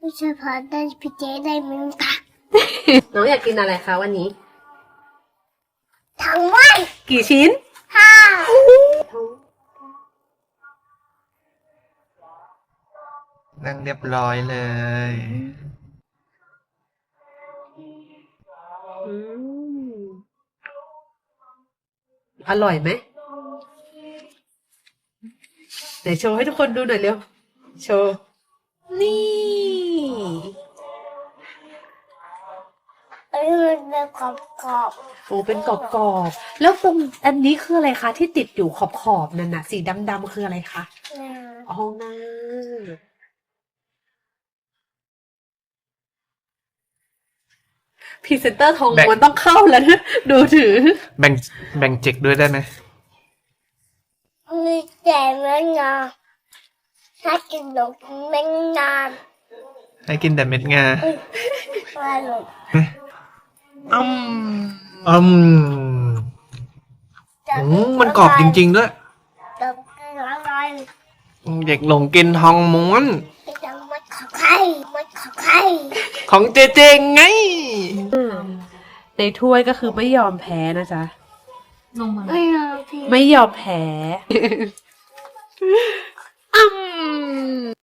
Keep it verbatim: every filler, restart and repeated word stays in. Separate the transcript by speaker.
Speaker 1: ไม่ใช่พอได้พี่เจ๊ได้มึงค่ะ
Speaker 2: น้องอยากกินอะไรคะวันนี้
Speaker 1: ทั้งวัน
Speaker 2: กี่ชิ้น
Speaker 1: ห้า
Speaker 3: นั่งเรียบร้อยเลย
Speaker 2: อืมอร่อยไหมไหนโชว์ให้ทุกคนดูหน่อยเร็ว โชว์ นี่
Speaker 1: เอ้ยมันเป็นกรอบกรอบ
Speaker 2: โอ้เป็นกรอบๆแล้วตรงอันนี้คืออะไรคะที่ติดอยู่ขอบๆนั่นน่ะ สีดำๆคืออะไรคะ
Speaker 1: ๆนะ
Speaker 2: อ๋อน้าพรีเซนเตอร์ทอง
Speaker 3: แบ่ง
Speaker 2: มันต้องเข้าแล้วนะดูถือ
Speaker 3: แบ่งแบ่งเจ็กด้วยได้ไหม
Speaker 1: มีแต่เมื่อนานถ้ากินหนมเมื่อนาน
Speaker 3: ให้กินแต่เม็ดงา
Speaker 1: ว่าหนม
Speaker 3: อืมอืมอืมมันกรอบจริงๆด้วย
Speaker 1: ๆจะกินอะไร
Speaker 3: เด็กหลงกินทองม้วน
Speaker 1: จะมัดขอไข่มัดขอไข่
Speaker 3: ของเจเจไง
Speaker 2: ในถ้วยก็คือไม่ยอมแพ้นะจ๊ะ
Speaker 1: ไม่เอาพี่
Speaker 2: ไม่ยอมแพ้ อืม